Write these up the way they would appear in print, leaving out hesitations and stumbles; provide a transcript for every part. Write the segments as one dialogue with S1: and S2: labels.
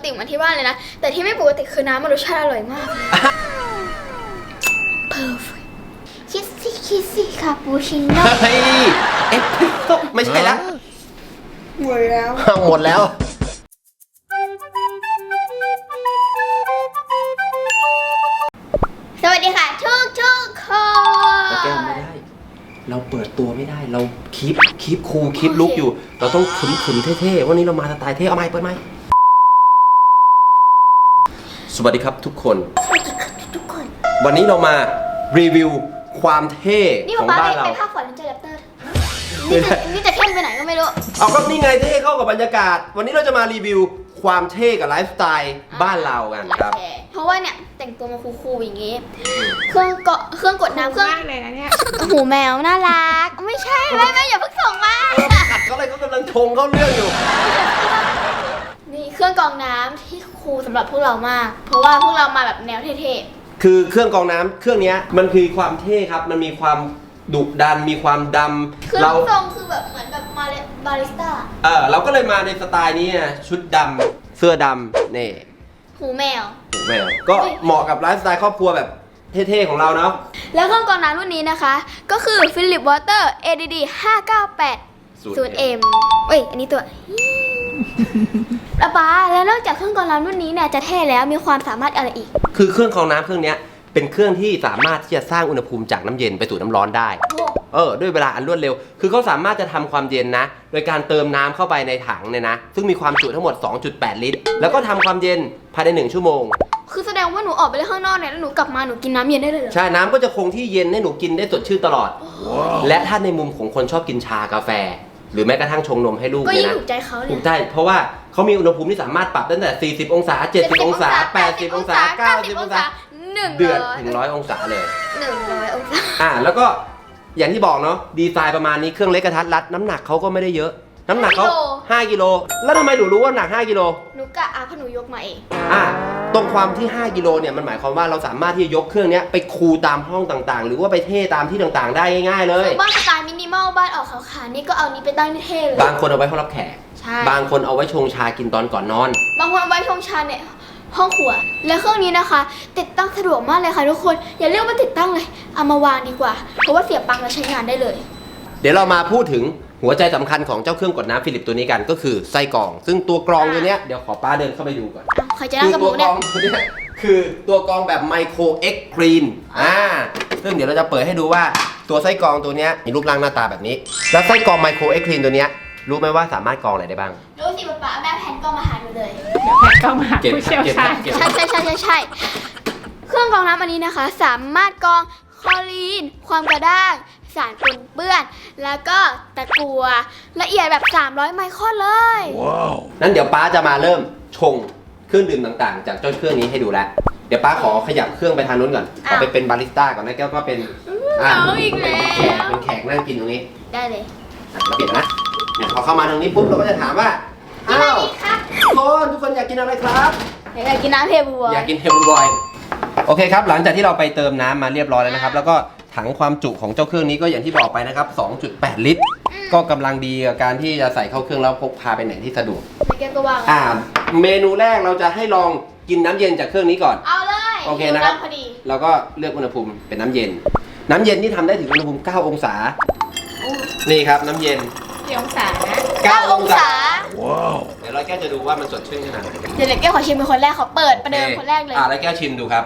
S1: เหมือนที่บ้านเลยนะแต่ที่ไม่ปกติคือน้ำมันรสชาติอร่อยมาก perfect คิสซี่คาปูชิโน่
S2: เฮ้ยเอสเปรสโซ่ไม่ใช่แล้ว
S1: หมดแล้ว
S2: หมดแล้ว
S1: สวัสดีค่ะทุกคน
S2: แก้ไม่ได้ เราเปิดตัวไม่ได้ เราคีปคูลคีปลุกอยู่ เราต้องขึมเท่ๆวันนี้เรามาสไตล์เท่เอาไมค์เปิดไมค์สวัสดีครับทุกคน
S1: สวัสดีค่ะทุกคน
S2: วันนี้เรามารีวิวความเท่
S1: นี่
S2: ของ
S1: ป๊า
S2: บ้าน
S1: ไป
S2: เรา
S1: ภาคฝันเจอแรปเตอร์นี่จะเข้มไปไหนก็ไม่รู้
S2: เอาก็นี่ไงเท่เข้ากับบรรยากาศ วันนี้เราจะมารีวิวความเท่กับไลฟ์สไตล์บ้านเรากันครับ
S1: เพราะว่าเนี่ยแต่งตัวมาคูลๆอย่างงี้ เครื่องกดน้ำเครื่อง
S3: มากเลยนะเนี่ย
S1: หูแมวน่ารัก ไม่ใช่ไม่อย่าเพิ่งส่งมา
S2: ขัดเขาเลยเขากำลังชงเข้าเรื่องอยู่
S1: นี่เครื่องกรองน้ำที่คูลสำหรับพวกเรามาก เพราะว่าพวกเรามาแบบแนวเท่
S2: คือเครื่องกรองน้ำเครื่องนี้มันคือความเท่ครับ มันมีความดุดัน มีความด
S1: ๆเครื่
S2: ำ
S1: องทรงคือแบบเหมือนแบบบาริสต้า
S2: เราก็เลยมาในสไตล์นี้นะชุดดำเสื้อดำนี่
S1: หูแมว
S2: หูแมวก็เหมาะกับไลฟ์สไตล์ครอบครัวแบบเท่ๆของเราเนาะ
S1: แล้วเครื่องกรองน้ำรุ่นนี้นะคะ ก็คือ Philips Water ADD 598 0M เอ้ยอันนี้ตัวป๊าแล้วนอกจากเครื่องกรองน้ำรุ่นนี้เนี่ยจะเท่แล้วมีความสามารถอะไรอีก
S2: คือเครื่องกรองน้ำเครื่องนี้เป็นเครื่องที่สามารถที่จะสร้างอุณหภูมิจากน้ำเย็นไปสู่น้ำร้อนได้ ด้วยเวลาอันรวดเร็ว คือเขาสามารถจะทำความเย็นนะ โดยการเติมน้ำเข้าไปในถังเนี่ยนะ ซึ่งมีความจุทั้งหมด 2.8 ลิตร แล้วก็ทำความเย็นภายใน1ชั่วโมง
S1: คือแสดงว่าหนูออกไปเล่นข้างนอกเนี่ยแล้วหนูกลับมาหนูกินน้ำเย็นได้เลยเหรอ
S2: ใช่ น้ำก็จะคงที่เย็นให้หนูกินได้สดชื่นตลอด และถ้าในมุมของคนชอบกินชากาแฟ หรือแม้กระทั่งชงนมให้ลูก
S1: ก็
S2: เนี่
S1: ยิ่
S2: ย
S1: ง
S2: นะ
S1: ถูกใจเขาเล
S2: ถู
S1: ย
S2: กใจเพราะว่าเขามีอุณหภูมิที่สามารถปรับตั้งแต่ 40 องศา 70 องศา 80 องศา 90 องศา เดือดถึง 100 องศาเลย
S1: 100 องศา
S2: แล้วก็อย่างที่บอกเนาะดีไซน์ประมาณนี้เครื่องเล็กกระทัดรัดน้ำหนักเขาก็ไม่ได้เยอะ น้ำหนักเขา5 กิโลแล้วทำไมหนูรู้ว่าหนัก5 กิโล
S1: หนูกะเพราะหนูยกมาเอง
S2: ตรงความที่5 กิโลเนี่ยมันหมายความว่าเราสามารถที่จะยกเครื่องนี้ไปคูลตามห้องต่างๆ หรือว่าไปเท่ตามที่ต่างๆ ได้ง่ายๆเลย
S1: บ้านสไตล์มินิมอลบ้านออกขาวๆนี่ก็เอานี้ไปตั้งที่เท่เลย
S2: บางคนเอาไว้ห้องรับแขก
S1: ใช่
S2: บางคนเอาไว้ชงชากินตอนก่อนนอน
S1: บางคนเอาไว้ชงชาเนี่ยห้องครัว และเครื่องนี้นะคะ ติดตั้งสะดวกมากเลยค่ะทุกคนอย่าเรียกว่าติดตั้งเลยเอามาวางดีกว่าเพราะว่าเสียบปลั๊กแล้วใช้งานได้เลย
S2: เดี๋ยวเรามาพูดถึงหัวใจสำคัญของเจ้าเครื่องกดน้ำฟิลิปตัวนี้กันก็คือไส้กรอง ซึ่งตัวกรองตัวเนี้ยเดี๋ยวขอป้าเดินเข้าไปดูก่อน
S1: ใครจะนั่งกับห
S2: ตั
S1: นู
S2: วกร
S1: เนี่
S2: อย งตัวเนี้ยคือตัวกรองแบบไมโครเอ็กซ์กรีนซึ่งเดี๋ยวเราจะเปิดให้ดูว่าตัวไส้กรองตัวเนี้ยมีรูปร่างหน้าตาแบบนี้ แล้วไส้กรองไมโครเอ็กซ์กรีนตัวเนี้ยรู้ไหมว่าสามารถกรองอะไรได้บ้าง
S1: รู้สิป๊าแม่แผ่นก็มาหาหนูเลย
S3: เดี๋ยวแพทย์ก็มาหาผู้เชี่ยวชาญ
S1: ใช่เครื่องกรองน้ำอันนี้นะคะ สามารถกรองคลอรีน ความกระด้างสารปนเปื้อน แล้วก็ตะกั่วละเอียดแบบ 300 ไมครอนเลย
S2: นั้นเดี๋ยวป้าจะมาเริ่มชงเครื่องดื่มต่างๆ จากเจ้าเครื่องนี้ให้ดูแล้ว เดี๋ยวป้าขอขยับเครื่องไปทางนู้นก่อนเอาไปเป็นบาริสต้าก่อนนะแก้วก็เป็น
S1: เอาอีกแล้ว
S2: เป็นแขกนั่งกินตรงนี้
S1: ได้เลย
S2: เราเปลี่ยนนะพอเข้ามาทางนี้ปุ๊บเราก็จะถามว่า
S1: กินอะไรดีครับ
S2: ทุกคนอยากกินอะไรครับ
S1: อยากกินน้ำเทบัว
S2: อยากกินเฮลบอยโอเคครับหลังจากที่เราไปเติมน้ำมาเรียบร้อยแล้วนะครับแล้วก็ถังความจุของเจ้าเครื่องนี้ก็อย่างที่บอกไปนะครับ 2.8 ลิตร ก็กำลังดีกับการที่จะใส่เข้าเครื่องแล้วพกพาไปไหนที่สะดวก
S1: ไม่แก้วก็ว่าง
S2: เมนูแรกเราจะให้ลองกินน้ำเย็นจากเครื่องนี้ก่อน
S1: เอาเลย
S2: โอเคนะครับ
S1: พอดี
S2: เราก็เลือกอุณหภูมิเป็นน้ำเย็น น้ำเย็นที่ทำได้ถึงอุณหภูมิ 9 องศา นี่ครับน้ำเย็น
S3: กี่องศานะ
S1: 9 องศา
S2: เดี๋ยวเราแก้วจะดูว่ามันสดชื่นขนาดไหน
S1: เดี๋ยวแก้วขอชิมเป็นคนแรกขอเปิดประเดิมคนแรกเลย
S2: แล้วแก้วชิมดูครับ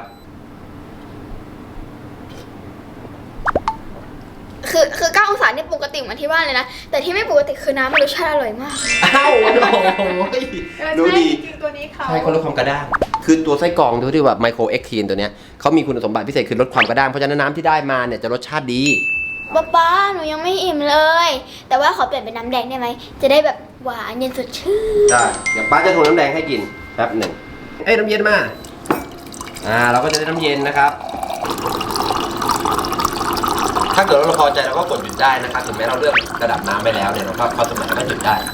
S1: คือ9 องศาเนี่ยปกติเหมือนที่บ้านเลยนะ แต่ที่ไม่ปกติคือน้ำมันรสชาติอร่อยมาก
S2: อ้าวโอ้โหดูดี
S3: จริงๆตัวนี้เขา
S2: ใช่เขาลดความกระด้าง คือตัวไส้กรองตัวที่แบบไมโครเอ็กทีนตัวเนี้ยเขามีคุณสมบัติพิเศษคือลดความกระด้าง เพราะฉะนั้นน้ำที่ได้มาเนี่ยจะรสชาติดี
S1: ป๊าหนูยังไม่อิ่มเลย แต่ว่าขอเปลี่ยนเป็นน้ำแดงได้ไหม จะได้แบบหวานเย็นสดชื่น
S2: ได้ เดี๋ยวป้าจะทงน้ำแดงให้กินแป๊บหนึ่งเอ้ยน้ำเย็นมา เราก็จะได้น้ำเย็นนะครับ ถ้าเกิดเราพอใจเราก็กดหยุดได้นะครับถึงแม้เราเลือกระดับน้ำไปแล้วเนี่ยเราก็พอสมควรก็หยุดได้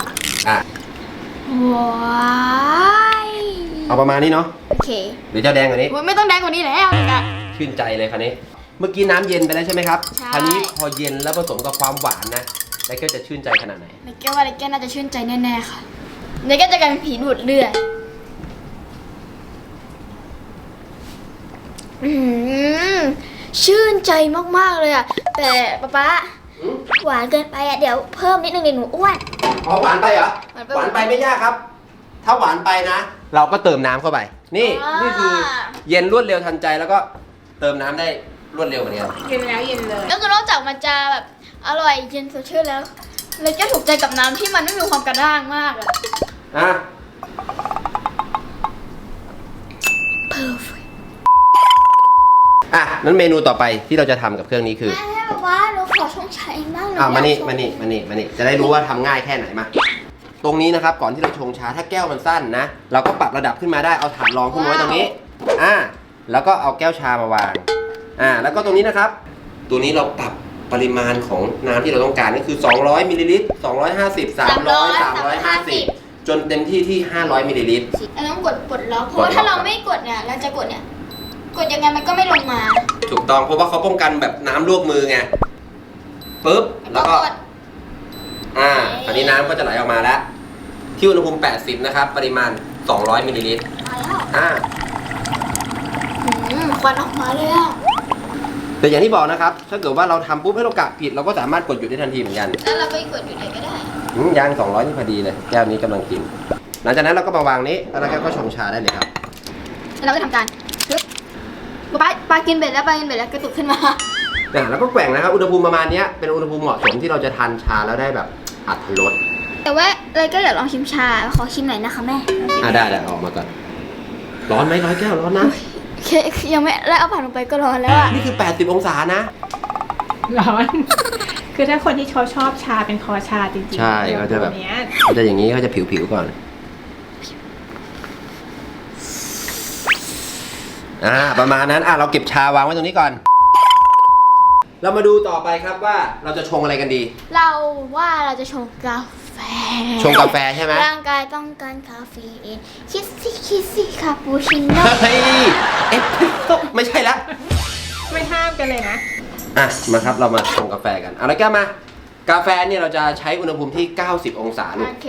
S1: ว้าย
S2: เอาประมาณนี้เนาะ
S1: โอเค
S2: หรือจะแดงกว่านี้
S1: ไม่ต้องแดงกว่านี้แล้วนะ
S2: ชื่นใจเลยคันนี้ เมื่อกี้น้ำเย็นไปแล้วใช่ไหมครับ
S1: ใช่
S2: คราวนี้พอเย็นแล้วผสมกับความหวานนะแล้วก็จะชื่นใจขนาดไหน
S1: ในแก้วว่าในแก้วน่าจะชื่นใจแน่ๆค่ะในแก้วจะกลายเป็นผีดูดเลือดอืมชื่นใจมากๆเลยอะแต่ป๊าหวานเกินไปอะเดี๋ยวเพิ่มนิดนึงเดี๋ยวหนูอ้วน
S2: อ๋อหวานไปเหรอ หวานไปไม่ยากครับ ถ้าหวานไปนะ เราก็เติมน้ำเข้าไป นี่นี่คือเย็นรวดเร็วทันใจแล้วก็เติมน้ำได้รวดเร็วเหมือนกัน
S3: เย็นแล้วเย็นเลย
S1: แล้วก็นอกจากมันจะแบบอร่อยเย็นสดชื่นแล้วเลยก็ถูกใจกับน้ำที่มันไม่มีความกระด้างมากอะ
S2: อ่ะ
S1: perfect
S2: อ่ะนั้นเมนูต่อไปที่เราจะทำกับเครื่องนี้คือ
S1: แม่บอกว่าหนูขอชงชาเองบ้างห
S2: มานี่
S1: อยกชง
S2: มานี่จะได้รู้ว่าทำง่ายแค่ไหนมา ตรงนี้นะครับก่อนที่เราชงชาถ้าแก้วมันสั้นนะ เราก็ปรับระดับขึ้นมาได้เอาถาดรองขึ้นมาไว้ตรงนี้แล้วก็เอาแก้วชามาวางแล้วก็ตรงนี้นะครับ ตัวนี้เราปรับปริมาณของน้ำที่เราต้องการก็คือ200มิลลิลิตร250 300 350จนเต็มที่ที่500มิลลิลิตร
S1: เราต้องกดปลดล็อกเพราะว่าถ้าเราไม่กดเนี่ยเราจะกดเนี่ยกดยังไงมันก็ไม่ลงมา
S2: ถูกต้องเพราะว่าเขาป้องกันแบบน้ำลวกมือไงปึ๊บแล้วก็
S1: กด
S2: ตอนนี้น้ำก็จะไหลออกมาแล้ว ที่อุณหภูมิ80นะครับปริมาณ200มิลลิลิตร
S1: มาแล้ว
S2: อ่า
S1: ควันออกมาเลยอะ
S2: แต่อย่างที่บอกนะครับ ถ้าเกิดว่าเราทำปุ๊บให้เรากะผิดเราก็สามารถกดหยุดได้ทันทีเหมือนกัน
S1: แล้วเราไปกดอยู่ไหนก็ได้
S2: ยาง200นี่พอดีเลยแก้วนี้กำลังกิน หลังจากนั้นเราก็มาวางนี้แล้วเราก็ชงชาได้เลยครับ
S1: แล้วเราก็ทำการปึ๊บปลากินเบ็ดแล้วกระตุกขึ้นมา
S2: แล้วก็แกว่งนะครับอุณหภูมิประมาณนี้เป็นอุณหภูมิเหมาะสมที่เราจะทานชาแล้วได้แบบอรรถรส
S1: แต่ว่าเลยก็อยากลองชิมชาขอชิมหน่อยนะคะแม่
S2: ได้ออกมาก่อนร้อนไหมร้อยแก้วร้อนนะ
S1: ยังไม่ได้เอาผ่านลงไปก็ร้อนแล้วอะ
S2: นี่คือ80องศานะ
S3: ร้อน คือถ้าคนที่เขาชอบชาเป็นคอชาจริงๆ
S2: ใช่เขาจะแบบ
S3: เนี้ย
S2: เขาจะอย่างนี้เขาจะผิวๆก่อนประมาณนั้นเราเก็บชาวางไว้ตรงนี้ก่อน เรามาดูต่อไปครับว่าเราจะชงอะไรกันดี
S1: เราว่าเราจะชงกาแฟ
S2: ชงกาแฟใช่ไหม
S1: ร่างกายต้องการคาเฟอีนคิสซี่คาปูชิโน่
S2: เฮ้ยเอสเปรสโซ่ไม่ใช่ละ
S3: ไม่ห้ามกันเลยนะ
S2: มาครับเรามาชงกาแฟกันแล้วแก้วมากาแฟเนี่ยเราจะใช้อุณหภูมิที่90องศาลูก
S1: โอเค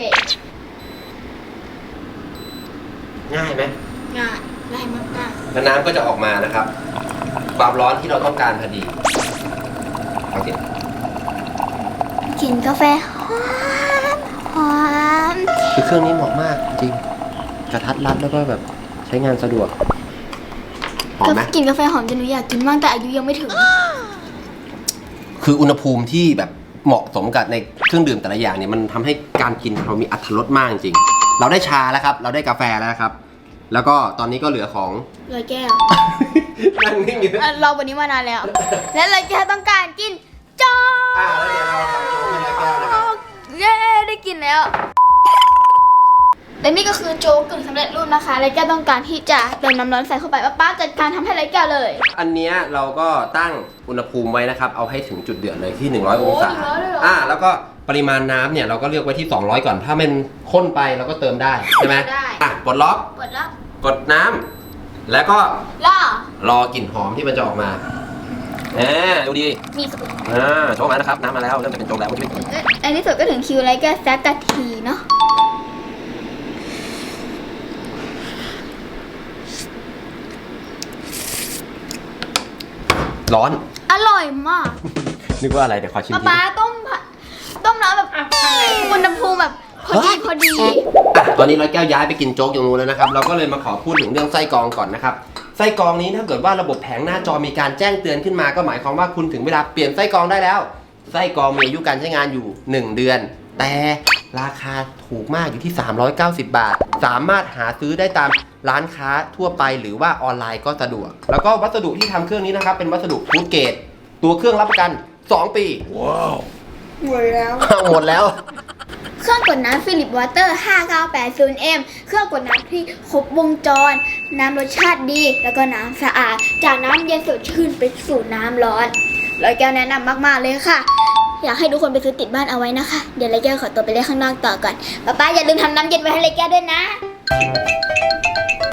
S2: ง่ายไหม
S1: ง่ายมาก
S2: แล้วน้ำก็จะออกมานะครับ ความร้อนที่เราต้องการพอดีโอเค
S1: กินกาแฟหอม
S2: คือเครื่องนี้เหมาะมากจริงกระทัดรัดแล้วก็แบบใช้งานสะดวกหอมไหม
S1: กินกาแฟหอมจนหนูอยากกินมากแต่อายุยังไม่ถึง
S2: คืออุณหภูมิที่แบบเหมาะสมกับในเครื่องดื่มแต่ละอย่างเนี่ยมันทำให้การกินเรามีอรรถรสมากจริงเราได้ชาแล้วครับ เราได้กาแฟแล้วครับ แล้วก็ตอนนี้ก็เหลือของ
S1: เลยแก้ว
S2: นั่งนิ่งอยู่
S1: รอวันนี้มานานแล้ว และเลยแก้วต้องการกินโจ๊ก
S2: แล้วเดี๋ยวเราทำโจ๊กให้แก้วนะครับ
S1: เย้ได้กินแล้ว และนี่ก็คือโจ๊กกึ่งสำเร็จรูปนะคะเลยแก้วต้องการที่จะเติมน้ำร้อนใส่เข้าไปป้าจัดการทำให้เลยแก้วเลย
S2: อันเนี้ยเราก็ตั้งอุณหภูมิไว้นะครับ เอาให้ถึงจุดเดือดเลยที่100องศา
S1: 100เลยเหรอ
S2: แล้วก็ปริมาณน้ำเนี่ยเราก็เลือกไว้ที่200ก่อน ถ้ามันข้นไปเราก็เติมได้ใช่ไหม
S1: ได้
S2: ปลดล็อก
S1: กดแล้ว
S2: กดน้ำแล้วก็
S1: ล่อ
S2: รอกลิ่นหอมที่มันจะออกมาดูดี
S1: มีสุด
S2: โชว์มานะครับน้ำมาแล้วเริ่มจะเป็นโจ๊กแล้ว
S1: อันนี้สุดก็ถึงคิวเลยแก้วสักกะทีเนาะ
S2: ร้อน
S1: อร่อยมาก
S2: นึกว่าอะไรเดี๋ยวขอชิมที
S1: ป้าต้มน้ำแบบ
S3: อ่ะทำไง
S1: อุณหภูมิแบบพอดี
S2: ตอนนี้ร้อยแก้วย้ายไปกินโจ๊กอย่างนู้นแล้วนะครับ เราก็เลยมาขอพูดถึงเรื่องไส้กรองก่อนนะครับ ไส้กรองนี้ถ้าเกิดว่าระบบแผงหน้าจอมีการแจ้งเตือนขึ้นมาก็หมายความว่าคุณถึงเวลาเปลี่ยนไส้กรองได้แล้ว ไส้กรองมีอายุการใช้งานอยู่1เดือน แต่ราคาถูกมากอยู่ที่390 บาท สามารถหาซื้อได้ตามร้านค้าทั่วไปหรือว่าออนไลน์ก็สะดวก แล้วก็วัสดุที่ทำเครื่องนี้นะครับเป็นวัสดุฟู้ดเกรดตัวเครื่องรับประกัน2 ปีว้าว
S1: หมดแล้ว
S2: หมดแล้ว
S1: เครื่องกดน้ำฟิลิปวอเตอร์ 5980M เครื่องกดน้ำที่ครบวงจร น้ำรสชาติดี แล้วก็น้ำสะอาด จากน้ำเย็นสดชื่นไปสู่น้ำร้อนร้อยแก้วแนะนำมากๆเลยค่ะ อยากให้ทุกคนไปซื้อติดบ้านเอาไว้นะคะ เดี๋ยวร้อยแก้วขอตัวไปเล่นข้างนอกต่อก่อน ป้าอย่าลืมทำน้ำเย็นไว้ให้ร้อยแก้วด้วยนะ